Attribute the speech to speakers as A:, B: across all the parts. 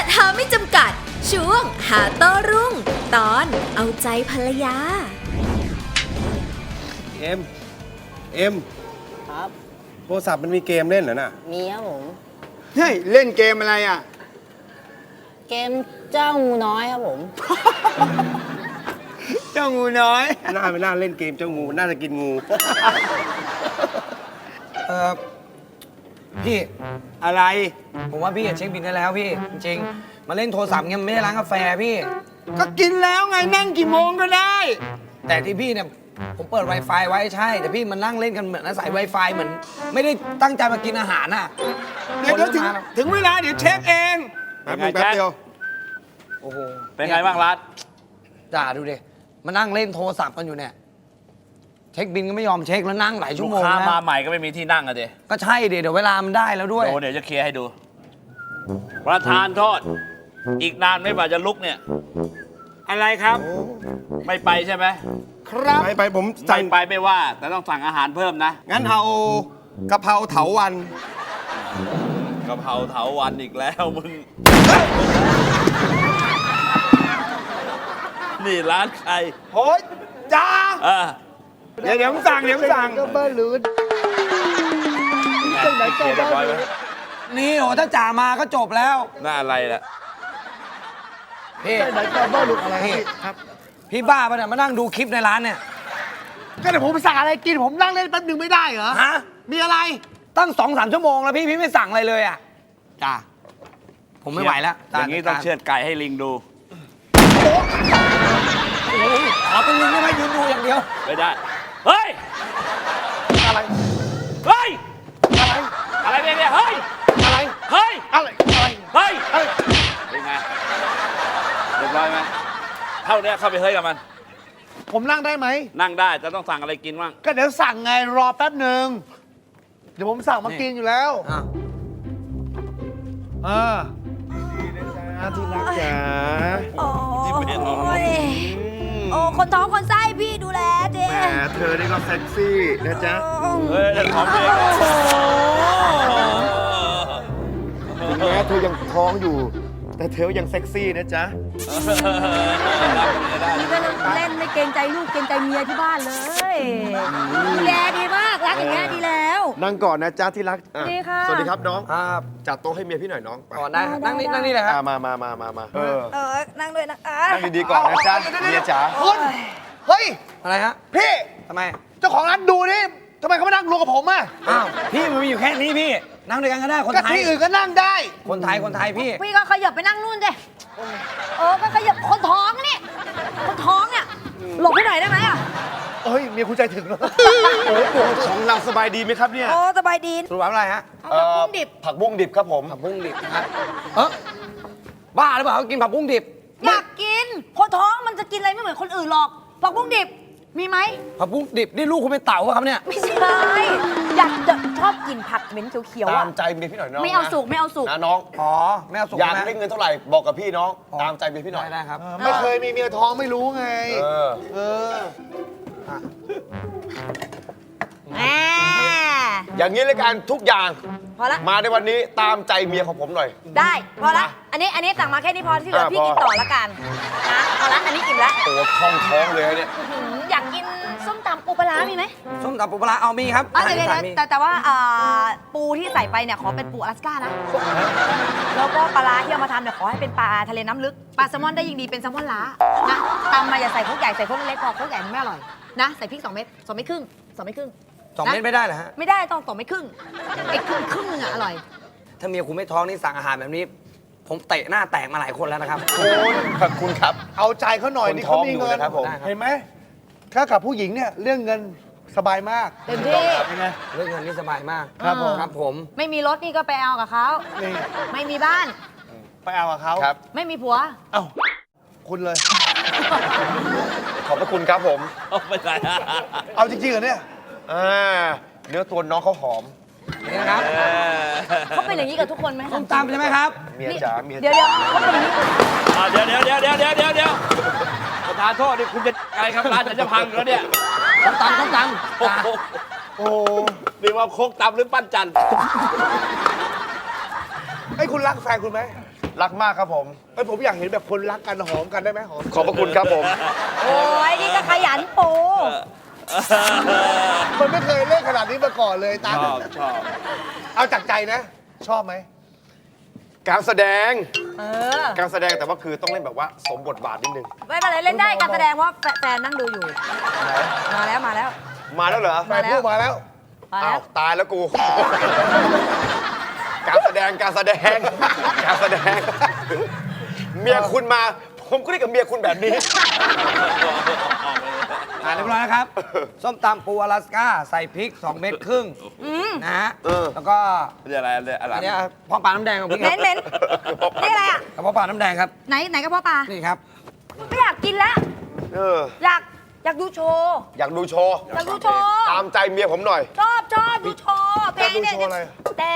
A: ท้าไม่จำกัดช่วงหาโต้รุ่งตอนเอาใจภรรยา
B: เอ็ม
C: ครับ
B: โทรศัพท์มันมีเกมเล่นเหรอน่ะ
C: มีครับผม
D: เฮ้ยเล่นเกมอะไรอ่ะ
C: เกมเจ้างูน้อยครับผม
D: เจ้างูน้อย
B: ไม่น่าเล่นเกมเจ้างูน่าจะกินงู
E: พี่
D: อะไร
E: ผมว่าพี่เช็คบินได้แล้วพี่จริงๆมาเล่นโทรศัพท์เงี้ยมันไม่ได้ร้านกาแฟพี่
D: ก็กินแล้วไงนั่งกี่โมงก็ได้
E: แต่ที่พี่เนี่ยผมเปิด Wi-Fi ไว้ใช่ แต่พี่มันนั่งเล่นกันเหมือนอาศัย Wi-Fi เหมือน ไม่ได้ตั้งใจมากินอาหารน่ะ
D: เดี๋ยวถึงเวลาเดี๋ยวเช็คเองแป๊บเดียว
E: โอ้โห
F: เป็นไงบ้างรัฐ
E: ด่าดูดิมานั่งเล่นโทรศัพท์กันอยู่เนี่ยเช็คบินก็ไม่ยอมเช็คแล้วนั่งหลายชั่
F: ลู
E: ว
F: ก
E: โมง
F: ค้า
E: นะ
F: มาใหม่ก็ไม่มีที่นั่งอะเด
E: ก็ใช่ดิเดี๋ยวเวลามันได้แล้วด้วย
F: โดเดี๋ยวจะเคลียร์ให้ดู ประธานโทษ อีกนานไม่ว่าจะลุกเนี่ย
D: อะไรครับ
F: ไม่ไปใช่ไหม
D: ครับ
B: ไปผม
F: ไม่
B: สั่ง
F: ไปไม่ว่า แต่ต้องสั่งอาหารเพิ่มนะ
B: งั้นเอากะเพราเถาวัน
F: กะเพราเถาวันอีกแล้วมึง นี่ร้านใคร
D: โอ้ยจ้า
F: เดี๋ยว
D: ผมสั่งก็เบอร์ลูน
F: เคลียร์เรียบร้อยไหม
E: นี่โหถ้าจ่ามาก็จบแล้ว
F: หน้าอะไรล่ะ
E: พี่ครับพี่บ้าปะเนี่ยมานั่งดูคลิปในร้านเนี่ย
D: ก็เดี๋ยวผมสั่งอะไรกินผมนั่งเล่นแป๊บนึงไม่ได้เหรอ
E: ฮะ
D: มีอะไร
E: ตั้ง2-3 ชั่วโมงแล้วพี่ไม่สั่งอะไรเลยอ่ะจ้าผมไม่ไหวแล้ว
F: อย่างนี้ต้องเชือดไก่ให้ลิงดู
E: ขอเป็นลิงได้ไหมยืนดูอย่างเดียว
F: ไม่ได้ เฮ้ย
D: อะไร
F: เฮ้ย
D: อะไร
F: อะไรเนี่ย เฮ้ย
D: อะไร
F: เฮ้ย
D: อะไร อะไร
F: เฮ้ย
D: อะไร
F: เป็นไง เรียบร้อยไหมเท่านี้เข้าไปเฮ้ยกับมัน
D: ผมนั่งได้ไหม
F: นั่งได้แต่ต้องสั่งอะไรกินบ้าง
D: ก็เดี๋ยวสั่งไงรอแป๊บหนึ่งเดี๋ยวผมสั่งมากินอยู่แล้ว ที่รักจ๋า
A: โอ้ยโอ้คนท้องคนไส้พี่ดูแลเจ๊
D: แหมเธอนี่ก็เซ็กซี่นะจ๊ะ
F: เฮ้ยจะท้องเอง
D: ถึงแม้เธอยังท้องอยู่ แต่เธอยังเซ็กซี่นะจ๊ะ
A: นี่ก็เล่นไม่เกรงใจลูกเกรงใจเมียที่บ้านเลยดูแลดีมากรักอย่างเงี้ยดีแล้ว
D: นั่งก่อนนะจ๊ะที่รัก
A: ดีค่ะ
D: สวัสดีครับน้อง
E: ครับ
D: จัดโต๊ะให้เมียพี่หน่อยน้องไป
E: ก่อนได้นั่งนี่เลยครับ
D: มา
A: นั่งด้วยนะ
D: นั่งดีๆก่อนนะจ๊ะเมียจ๋าคุณเฮ้ย
E: อะไรฮะ
D: พี่
E: ทำไม
D: เจ้าของร้านดูนี่ทำไมเขาไม่นั่งรวมกับผมอ่ะ
E: อ้าวพี่มันมีอยู่แค่นี้พี่นั่งด้วยกันก็ได้คน
D: ก็
E: ไทย
D: ที่อื่นก็นั่งได้
E: คนไทยพี่
A: พี่ก็ขยับไปนั่งนู่นสิก็ขยับคนท้องนี่คนท้องเนี่ยหลบให้หน่อยได้ไหมอ่ะ
D: เอ้ยเมียคุณใจถึงแล้วโอ้โหของเราสบายดีไหมครับเนี่ย
A: โอ้สบายดี
E: สรุปว่าอะไรฮะ
A: เอาผักบุ้งดิบ
D: ผักบุ้งดิบครับผม
E: ผักบุ้งดิบนะครับบ้าหรือเปล่าเขากินผักบุ้งดิบ
A: อยากกินคนท้องมันจะกินอะไรไม่เหมือนคนอื่นหรอกผักบุ้งดิบมีไหม
E: ผักบุ้งดิบนี่ลูกคุณเป็นเต่าปะครับเนี่ย
A: ไม่ใช่อยากจะชอบกินผักเหม็นเขียวๆ
D: ตา
A: อ่ะ
D: มใจเมียพี่หน่อยน้อง
A: ไม่เอา
D: นะ
A: สุกไม่เอาสุก
D: นะน้อง
E: อ๋อไม่เอาสุก
D: อยาก
E: นะ
D: ได้เงินเท่าไหร่บอกกับพี่น้อง ตามใจเมียพี่หน่อย
E: ได้ครับ
D: ไม่เคยมีเมียท้องไม่รู้ไง เออ
A: แหม
D: อย่างนี้เลยกันทุกอย่าง
A: พอละ
D: มาในวันนี้ตามใจเมียของผมหน่อย
A: ได้พอละอันนี้สั่งมาแค่นี้พอที่เหลือพี่
D: พอ
A: กินต่อละกันนะพอละอันนี้อิ่มละ
D: โอ้ท้องเลยเนี่ย
A: อยากกินส้มตำปูปลาร้ามีไหม
E: ส้มตำปูปลาร้าเอามีครับ
A: เดี๋ยว
E: มี
A: แต่ว่าปูที่ใส่ไปเนี่ยขอเป็นปูอลาสก้านะแล้วก็ปลาร้าที่เอามาทำเนี่ยขอให้เป็นปลาทะเลน้ำลึกปลาแซลมอนได้ยิ่งดีเป็นแซลมอนล้านะตำมาอย่าใส่พวกใหญ่ใส่พวกเล็กพอพวกใหญ่มันไม่อร่อยนะใส่พริก2 เม็ด2 เม็ดครึ่ง2 เม็ดครึ่ง
E: 2 เม็ดไม่ได้เหรอฮะ
A: ไม่ได้ต้อง2 เม็ดครึ่งไอ้ครึ่งนึงอะอร่อย
E: ถ้าเมียคุณไม่ท้องนี่สั่งอาหารแบบนี้ ผมเตะหน้าแตกมาหลายคนแล้วนะครับ
D: ขอบคุณครับ เอาใจเขาหน่อยนี่เขามีเงิน
E: นะครับผม
D: เห็นไหมถ้ากับผู้หญิงเนี่ยเรื่องเงินสบายมาก
A: เต็มที่
D: ยังไง
E: เรื่องเงินนี่สบายมาก
D: ครับผม
E: ครับผม
A: ไม่มีรถนี่ก็ไปเอากับเขา
D: นี่
A: ไม่มีบ้าน
D: ไปเอากับเขา
A: ไม่มีผัว
D: เอ้าคุณเลย ขอบพระคุณครับผม
F: ไม่ใช่
D: เอาจริงๆเหรอเนี่ยเนื้อตัวน้องเขาหอม
E: นี่นะครับ
A: เขาเป็นอย่างนี้กับทุกคนไหม
E: ส้มตำใช่ไหมครับ
D: เมียจ๋าเมีย
A: เดี๋ยวเขาเป็นอย่างนี้
F: เดี๋ยวประธานโทษนี่คุณจะอะไรครับร้านฉันจะพังแล้วเนี่ย
E: ส้มตำ
F: โอ้โห
D: โอ้
F: นี่ว่าโคกตำหรือปั้นจันทร์
D: ไอ้ยคุณรักแฟนคุณไหมรักมากครับผม
G: เอ้ยผมอยากเห็นแบบคนรักกันหอมกันได้ไหมหอม
D: ขอบพระคุณครับผม
A: โอ้ยนี่ก็ขยันปู
G: มันไม่เคยเล่นขนาดนี้มาก่อนเลยตา
F: ชอบชอบ
G: เอาจากใจนะ ชอบไหม
D: การแสดง
A: เออ
D: การแสดงแต่ว่าคือต้องเล่นแบบว่าสมบทบาทนิดนึง
A: ไม่เป็นไรเล่นได้การแสดงเพราะแฟนนั่งดูอยู่ มาแล้วมาแล้ว
D: มาแล้วเหรอ
G: แฟนพูดมาแล้ว
A: มา
D: อ้า
A: แล้ว ว
D: ตายแล้วกู การแสดงการแสดงการแสดง เมียคุณมา ผมก็เรียกกับเมียคุณแบบนี้
E: เรียบร้อยนะครับ ส้มตำปูอลาสก้าใส่พริก 2 เม็ดครึ่งนะฮะ แล้วก็
F: เรียกอะไรเรียกอะไร
E: อันเนี้ยพ่อปลาน้ำแดงของพี่
A: เหม็นเหม็นนี่อะไรอ่ะ
E: กระเพาะปลาน้ำแดงครับ
A: ไหนกระเพาะปลา
E: นี่ครับ
A: ไม่อยากกินแล้ว
D: เออ
A: อยากดูโชว์
D: อยากดูโชว์
A: อยากดูโชว์
D: ตามใจเมียผมหน่อย
A: ชอบดูโชว์เพลงเนี่ย
G: อยากดูโชว์อะไร
A: แต่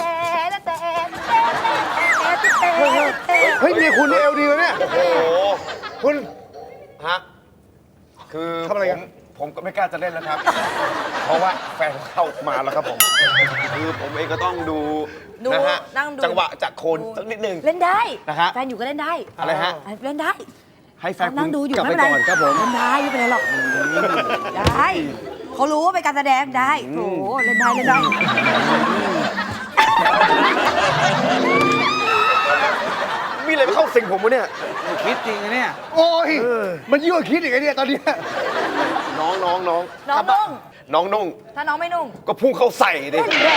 G: เฮ้ยเมียคุณนี่เอลดีเลยเนี่ย
D: โอ้โห
G: คุณ
D: ฮะ คือ
G: ทำอะไรกัน
D: ผมก็ไม่กล้าจะเล่นแล้วครับ เพราะว่าแฟนเข้ามาแล้วครับผม คือผมเองก็ต้องดู
A: ดู
D: นะฮะ
A: นั่งดู
D: จังหวะจากโคนสักนิดนึง
A: เล่นได้
D: นะฮะ
A: แฟนอยู่ก็เล่นได้
D: อะไรฮะ
A: เล่นได้
D: ให้แฟน
A: เขา
D: คุ
A: นั่
D: ณ
A: งดูอยู่
D: กลับ
A: ไม่
D: ไป
A: เป็นไร
D: ก่อนครับผม
A: เล่นได้ไม่เป็นไรหรอกได้เขารู้ว่าเป็นการแสดงได้โถเล่นได้
D: มีอะไรมาเข้าสิงผมวะเนี่ย
E: คิดจริงนะเนี่ย
G: โอ้ย มันยิ่งกว่าคิดอีกไอ้เนี่ยตอนเนี้ย
D: น้อง
A: น้องนุ่ง
D: น้องนุ่ง
A: ถ้าน้องไม่นุ่ง
D: ก็พุ่งเข้าใส่ดิ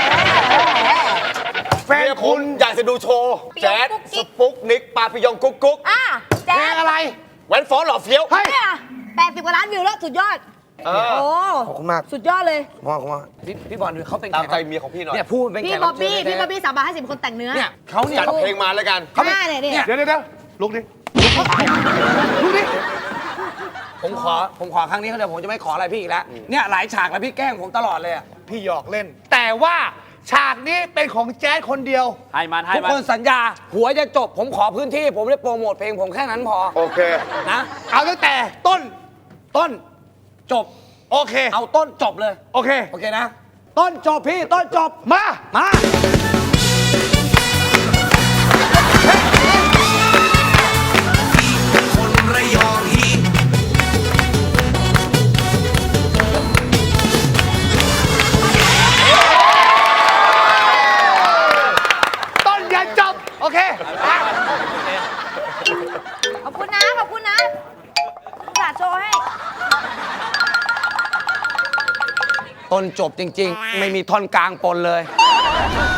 G: แฟน
D: เมีย
G: คุ
D: คุณ ณอยากจะดูโชว์
A: ปิยอง
D: แจ๊ด
A: กุ๊กกิ๊
D: ส
A: ก
D: ปุกนิกปาปิยองกุ๊กกุ๊ก
A: อ่ะแจ๊
G: เพลง
A: ด
G: อะไร
D: แหวนฟ้อนหล่อเฟี้ยว
G: เฮ้ย
A: เนี่ย80 กว่าล้านวิวแล้วสุดยอด
D: เออ
A: โอ้
G: ขอบคุณมาก
A: สุดยอดเลย
E: พี่บอลเขาเป็น
D: ตามใจ
E: แขก
D: เมียของพี่หน่อย
E: เนี่ยพูดเป็นแข
A: พี่
E: ก
A: บ๊
E: รั
A: อ
E: บบ เชิญ
A: บี้
E: เลย
A: พี่บ๊อบบี้350คนแต่งเนื้อ
E: เนี่ยเขาเนี่ย
D: จัดเพลงมาแล้วกัน
A: เขาเนี่ย
E: เนี่ย
G: เดี๋ยวลุกดิลุกดิ
E: ผมขอครั้งนี้เขาเดี๋ยวผมจะไม่ขออะไรพี่อีกแล้ว เนี่ยหลายฉากแล้วพี่แกล้งผมตลอดเลยอะ
G: พี่หยอกเล่น แต่ว่าฉากนี้เป็นของแจ๊ดคนเดียว
F: ให้มันให้
E: ทุก
F: มั
E: คน นสัญญา หัวจะจบ ผมขอพื้นที่ ผมได้โปรโมทเพลงผมแค่นั้นพอ
D: โอเค
E: นะ
G: เอาตั้งแต่ต้น
E: ต้นจบ
G: โอเค
E: เอาต้นจบเลย
G: โอเค
E: โอเคนะ ต้นจบพี่ ต้นจบ
G: มา
E: มา
G: ต้นยันจบ โอเค
A: ขอบคุณนะขอบคุณนะสาดโชว์ให้
E: ต้นจบจริง ๆ ไม่มีท่อนกลางปนเลย
A: เ